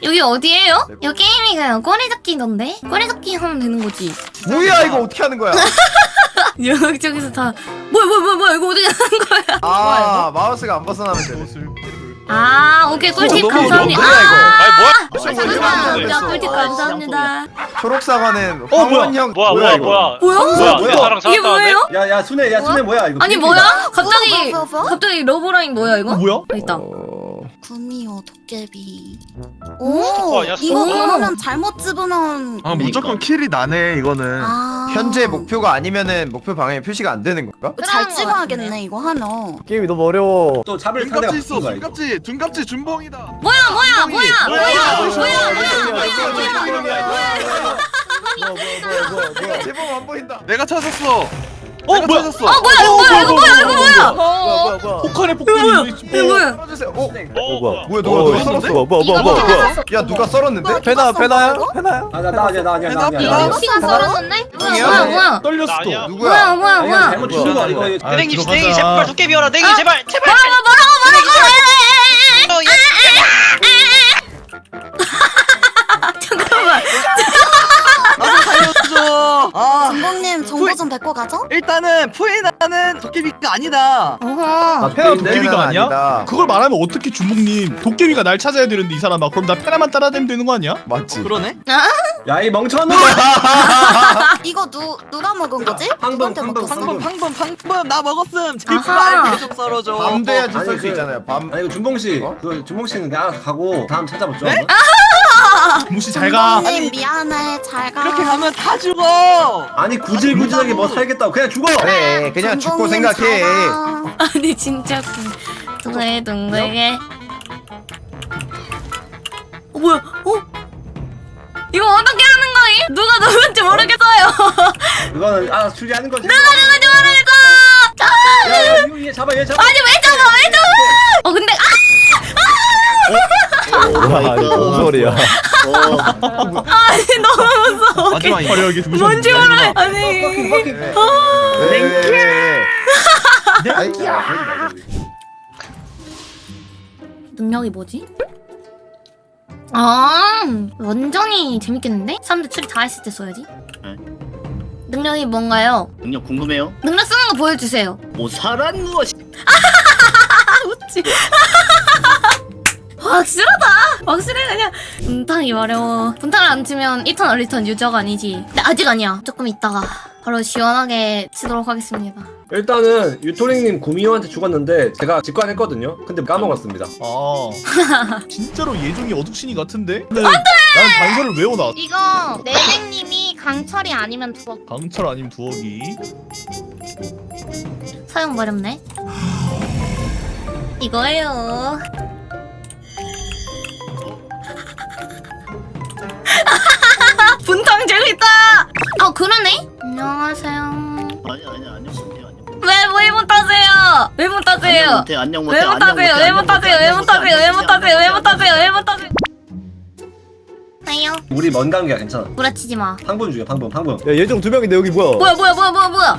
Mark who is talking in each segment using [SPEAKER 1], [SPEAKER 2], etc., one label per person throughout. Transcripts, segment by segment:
[SPEAKER 1] 여기 어디예요? 여기 게임이가요. 꼬리잡기던데? 꼬리잡기 하면 되는 거지.
[SPEAKER 2] 뭐야 이거 어떻게 하는 거야?
[SPEAKER 1] 여기저기서 다 뭐야 이거 어떻게 하는 거야?
[SPEAKER 2] 아 마우스가 안 벗어나면 되네.
[SPEAKER 1] 아 오케이 꿀팁
[SPEAKER 2] 너무
[SPEAKER 1] 감사합니다.
[SPEAKER 2] 뭐야, 이거?
[SPEAKER 3] 아니 뭐야?
[SPEAKER 1] 감사합니다. 꿀팁 감사합니다.
[SPEAKER 2] 초록 사과는
[SPEAKER 4] 뭐야?
[SPEAKER 2] 황원형
[SPEAKER 3] 뭐야?
[SPEAKER 2] 이거?
[SPEAKER 1] 뭐야?
[SPEAKER 3] 내 사랑
[SPEAKER 1] 이게 뭐예요?
[SPEAKER 5] 야야 순애 야 순애 뭐야 이거?
[SPEAKER 1] 아니 뭐야? 갑자기
[SPEAKER 6] 뭐?
[SPEAKER 1] 갑자기 러브라인 뭐야 이거?
[SPEAKER 4] 뭐야?
[SPEAKER 1] 아, 있다.
[SPEAKER 6] 구미호 도깨비.
[SPEAKER 3] 오, 야,
[SPEAKER 6] 이거
[SPEAKER 1] 오.
[SPEAKER 6] 그러면 잘못 집으면
[SPEAKER 7] 아 무조건 킬이 나네 이거는.
[SPEAKER 2] 현재 목표가 아니면은 목표 방향에 표시가 안 되는 건가?
[SPEAKER 6] 잘 찍어야겠네 이거 하면.
[SPEAKER 5] 게임이 너무 어려워. 또 잡을 상대가
[SPEAKER 7] 둔갑지 있어.
[SPEAKER 5] 바꾼 거야, 이거.
[SPEAKER 7] 둔갑지 준봉이다.
[SPEAKER 1] 뭐야?
[SPEAKER 2] 제법 안 보인다.
[SPEAKER 7] 내가 찾았어.
[SPEAKER 4] 뭐야?
[SPEAKER 7] 찾았어.
[SPEAKER 1] 이거 뭐야?
[SPEAKER 4] 폭탄의 폭탄이
[SPEAKER 1] 이거 뭐야?
[SPEAKER 2] 떨어주세요.
[SPEAKER 3] 뭐야?
[SPEAKER 2] 뭐야 누가 썰었어? 야 누가 썰었는데?
[SPEAKER 4] 페나야?
[SPEAKER 5] 나 아니야.
[SPEAKER 1] 시간 썰었는데?
[SPEAKER 2] 형이야?
[SPEAKER 1] 뭐야?
[SPEAKER 4] 떨렸어.
[SPEAKER 1] 뭐야?
[SPEAKER 2] 누구야?
[SPEAKER 5] 아니, 잘못 주는 거야 이거.
[SPEAKER 3] 땡이 제발 도깨비여라. 땡이 제발.
[SPEAKER 1] 잠깐만.
[SPEAKER 8] 나도 살려줘. 아
[SPEAKER 6] 전봉님 정보 좀 뱉고 가죠?
[SPEAKER 8] 일단은 푸에나는 도깨비가 아니다.
[SPEAKER 1] 어허.
[SPEAKER 4] 페나 도깨비가 아니야?
[SPEAKER 2] 아니다.
[SPEAKER 4] 그걸 말하면 어떻게 준봉님 도깨비가 날 찾아야 되는데 이 사람아 그럼 나 페나만 따라다니면 되는 거 아니야?
[SPEAKER 2] 맞지.
[SPEAKER 8] 그러네.
[SPEAKER 5] 야 이 멍청아.
[SPEAKER 6] 이거 누가 먹은 거지? 누구한테 먹혔어?
[SPEAKER 8] 방금 나 먹었음.
[SPEAKER 1] 아하.
[SPEAKER 8] 제발 계속 썰어줘.
[SPEAKER 2] 밤 돼야지
[SPEAKER 5] 아니,
[SPEAKER 2] 썰 수
[SPEAKER 5] 그-
[SPEAKER 2] 있잖아요. 밤.
[SPEAKER 5] 아니 이거 준봉 씨.
[SPEAKER 2] 어?
[SPEAKER 5] 그 준봉 씨는 그냥 가고 다음 찾아보죠.
[SPEAKER 8] 네?
[SPEAKER 4] 무시 잘 가.
[SPEAKER 6] 전봉님 미안해 잘 가.
[SPEAKER 8] 이렇게 가면 다 죽어.
[SPEAKER 5] 아니 구질구질하게 뭐 살겠다고 그냥 죽어.
[SPEAKER 2] 그래 그냥 죽고
[SPEAKER 6] 전봉님
[SPEAKER 2] 생각해.
[SPEAKER 6] 잘 가.
[SPEAKER 1] 아니 진짜 둥글둥글게. 뭐야? 이거 어떻게 하는 거임? 누가 누군지 모르겠어요.
[SPEAKER 5] 이거는 알아서 추리하는 거지.
[SPEAKER 1] 누군지 모르겠어.
[SPEAKER 5] 야 이거 얘 잡아 얘 잡아.
[SPEAKER 1] 아니 왜 잡아? 근데
[SPEAKER 4] 뭔 소리야?
[SPEAKER 1] 아니 너무 무서워.
[SPEAKER 7] 마지막 이거.
[SPEAKER 4] 화려하게 죽으셨네.
[SPEAKER 1] 뭔지 모르. 아니. 능력이 뭐지? 아 완전히 재밌겠는데? 사람들 추리 다 했을 때 써야지.
[SPEAKER 9] 네.
[SPEAKER 1] 능력이 뭔가요?
[SPEAKER 9] 능력 궁금해요?
[SPEAKER 1] 능력 쓰는 거 보여주세요.
[SPEAKER 9] 모사란 무엇이?
[SPEAKER 1] 웃지. 확실하다. 확실해 그냥. 분탕이 어려워. 분탕을 안 치면 1턴 얼리턴 유저가 아니지. 근데 아직 아니야. 조금 있다가 바로 시원하게 치도록 하겠습니다.
[SPEAKER 5] 일단은 유토링님 구미호한테 죽었는데 제가 직관했거든요. 근데 까먹었습니다.
[SPEAKER 4] 아 진짜로 예종이 어둑신이 같은데? 안돼! 난 단서를 외워놔.
[SPEAKER 1] 이거 내생님이 강철이 아니면 두억.
[SPEAKER 4] 강철 아니면 두억이.
[SPEAKER 1] 사용 버렸네. 이거예요. 분탕 재밌다. 그러네. 안녕하세요.
[SPEAKER 9] 아니 안녕 못해요.
[SPEAKER 1] 왜 못하세요? 왜 못하세요?
[SPEAKER 9] 안녕 못해.
[SPEAKER 1] 왜 못하세요? 왜 못하세요? 왜 못하세요? 왜 못하세요? 왜 못하세요? 왜 못하세요? 아요.
[SPEAKER 5] 우리 먼 관계야 괜찮아.
[SPEAKER 1] 부라치지 마.
[SPEAKER 5] 방분 중이야 방분.
[SPEAKER 4] 야 예종 두 명인데 여기 뭐야?
[SPEAKER 1] 뭐야?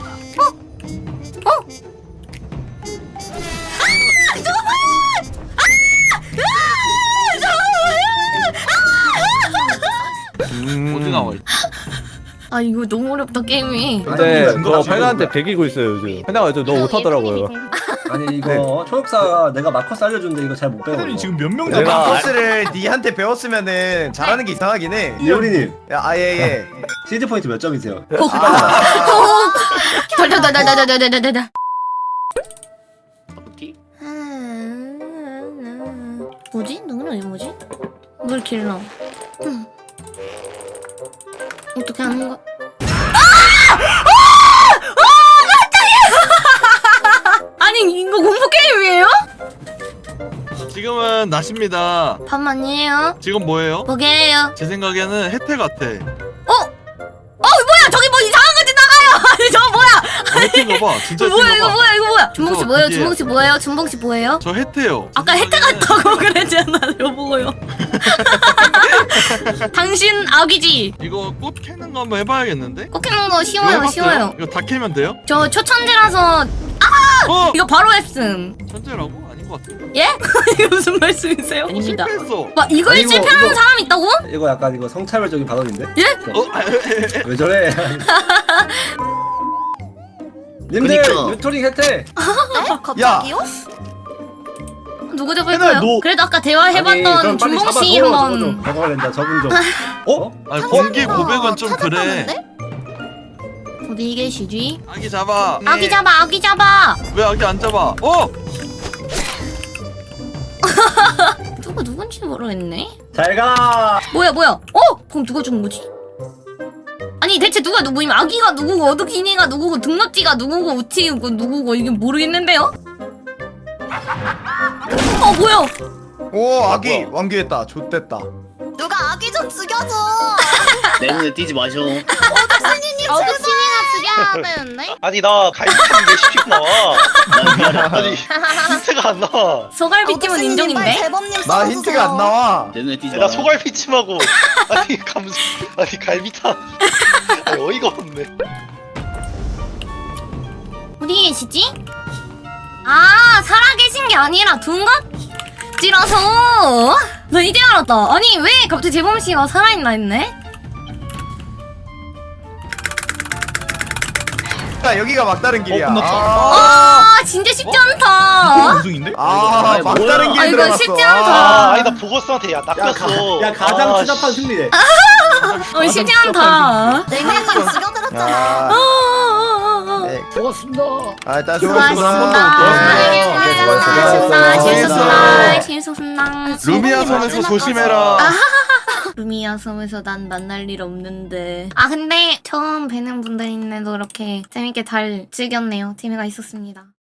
[SPEAKER 7] 어디 나와?
[SPEAKER 1] 아 이거 너무 어렵다 게임이.
[SPEAKER 5] 근데
[SPEAKER 4] 너 페나한테 배기고 있어요 요즘. 페나가 너 못하더라고요.
[SPEAKER 5] 아니 이거 초록사가 내가 마커스 알려줬는데 이거 잘 못 배워.
[SPEAKER 4] 페나이 지금 몇 명
[SPEAKER 2] 내가
[SPEAKER 4] 잡아?
[SPEAKER 2] 마커스를 니한테 배웠으면은 잘하는 게 이상하긴 해.
[SPEAKER 5] 이효리님
[SPEAKER 2] 아예예.
[SPEAKER 5] 시즈 포인트 몇 점이세요?
[SPEAKER 1] 달달달달달달달달달.
[SPEAKER 9] 바꾸기?
[SPEAKER 1] 뭐지? 능력이 뭐지? 물 길러. 어떻게 하는 거? 깜짝이야! 아니 이거 공포 게임이에요?
[SPEAKER 7] 지금은 낮입니다.
[SPEAKER 1] 밤만이에요?
[SPEAKER 7] 지금 뭐예요?
[SPEAKER 1] 뭐게요?
[SPEAKER 7] 제 생각에는 혜태 같아.
[SPEAKER 1] 뭐야 저기 뭐 이상한 거 지나가요. 아니 저 뭐야?
[SPEAKER 7] 혜태가 봐. 진짜
[SPEAKER 1] 뭐야
[SPEAKER 7] 혜태가 봐.
[SPEAKER 1] 이거 뭐야? 준봉 씨 뭐예요?
[SPEAKER 7] 이게-
[SPEAKER 1] 준봉 씨 뭐예요? 준봉 씨 뭐예요?
[SPEAKER 7] 저 혜태요.
[SPEAKER 1] 아까 혜태 같다고 그랬잖아요. 뭐요? 당신 악이지.
[SPEAKER 7] 이거 꽃 캐는 거 한번 해봐야겠는데?
[SPEAKER 1] 꼭 해놓은 거
[SPEAKER 7] 이거
[SPEAKER 1] 쉬워요,
[SPEAKER 7] 해봤어요?
[SPEAKER 1] 쉬워요.
[SPEAKER 7] 이거 다 캐면 돼요?
[SPEAKER 1] 저 초천재라서
[SPEAKER 7] 어!
[SPEAKER 1] 이거 바로 했음.
[SPEAKER 7] 천재라고? 아닌가? 것 같아.
[SPEAKER 1] 예? 이게 무슨 말씀이세요? 아닙니다.
[SPEAKER 7] 실패했어.
[SPEAKER 1] 와 이걸
[SPEAKER 5] 아니, 이거-
[SPEAKER 1] 실패하는
[SPEAKER 5] 이거-
[SPEAKER 1] 사람이 있다고?
[SPEAKER 5] 이거 약간 이거 성차별적인 발언인데?
[SPEAKER 7] 어?
[SPEAKER 5] 왜 저래? 님들
[SPEAKER 9] 그니까.
[SPEAKER 5] 유토링 혜택.
[SPEAKER 6] 네? 갑자기요?
[SPEAKER 1] 누구
[SPEAKER 4] 해나야,
[SPEAKER 1] 잡을까요?
[SPEAKER 4] 너-
[SPEAKER 1] 그래도 아까
[SPEAKER 5] 아니,
[SPEAKER 1] 대화해봤던
[SPEAKER 5] 그럼 빨리
[SPEAKER 1] 준봉 씨
[SPEAKER 5] 잡아줘,
[SPEAKER 1] 한번.
[SPEAKER 5] 저거 된다 저분 좀. 어?
[SPEAKER 7] 아니 공개 고백은 좀 그래.
[SPEAKER 6] 찾았다는데?
[SPEAKER 1] 어디 계시지?
[SPEAKER 7] 아기 잡아.
[SPEAKER 1] 아기 잡아 아기 잡아.
[SPEAKER 7] 왜 아기 안 잡아? 어?
[SPEAKER 1] 누가 누군지 모르겠네.
[SPEAKER 5] 잘 가.
[SPEAKER 1] 뭐야 뭐야? 그럼 누가 죽은 거지? 아니 대체 누가 누구임? 아기가 누구고 어둑이니가 누구고 등록지가 누구고 우치고 누구고 이게 모르겠는데요? 뭐야?
[SPEAKER 2] 오 아기 완규했다. 좆됐다.
[SPEAKER 6] 누가 아기 좀 죽여줘.
[SPEAKER 9] 내 눈에 띄지 마셔.
[SPEAKER 6] 어르신이님
[SPEAKER 1] 어둑이니가 죽여야 되는데?
[SPEAKER 3] 아니 나 갈비탕 왜 시키고 나와?
[SPEAKER 9] 난 미안해.
[SPEAKER 3] 아니 힌트가 안 나와.
[SPEAKER 1] 소갈비찜은 인정인데?
[SPEAKER 6] 재범님
[SPEAKER 2] 나 힌트가 안 나와.
[SPEAKER 9] 내 눈에 띄지
[SPEAKER 3] 나
[SPEAKER 9] 마.
[SPEAKER 3] 소갈비찜하고 아니 갈비탕. 아니 어이가 없네.
[SPEAKER 1] 어디 계시지? 아 살아계신 게 아니라 둔갑지라서 나 이제 알았다. 아니 왜 갑자기 재범씨가 살아있나 했네?
[SPEAKER 2] 야 여기가 막다른 길이야.
[SPEAKER 4] 끝났다.
[SPEAKER 1] 진짜 쉽지
[SPEAKER 4] 이거
[SPEAKER 1] 않다.
[SPEAKER 4] 우승인데?
[SPEAKER 2] 막다른 길
[SPEAKER 1] 이거
[SPEAKER 2] 들어갔어.
[SPEAKER 1] 쉽지
[SPEAKER 3] 아
[SPEAKER 1] 않다.
[SPEAKER 3] 아니 나 보거스한테 야 낚였어.
[SPEAKER 5] 야 가장
[SPEAKER 3] 아,
[SPEAKER 5] 추잡한
[SPEAKER 3] 씨.
[SPEAKER 5] 승리네.
[SPEAKER 1] 쉽지 않다.
[SPEAKER 6] 냉랭님 죽여드렸잖아.
[SPEAKER 2] 야, 네.
[SPEAKER 9] 좋았습니다.
[SPEAKER 2] 아, 일단
[SPEAKER 1] 수고하셨습니다.
[SPEAKER 5] 수고하셨습니다.
[SPEAKER 1] 재밌었습니다. 재밌었습니다.
[SPEAKER 7] 루미아 섬에서 조심해라.
[SPEAKER 1] 루미아 섬에서 난 만날 일 없는데. 근데 처음 뵈는 분들인데도 이렇게 재밌게 잘 즐겼네요. 재미가 있었습니다.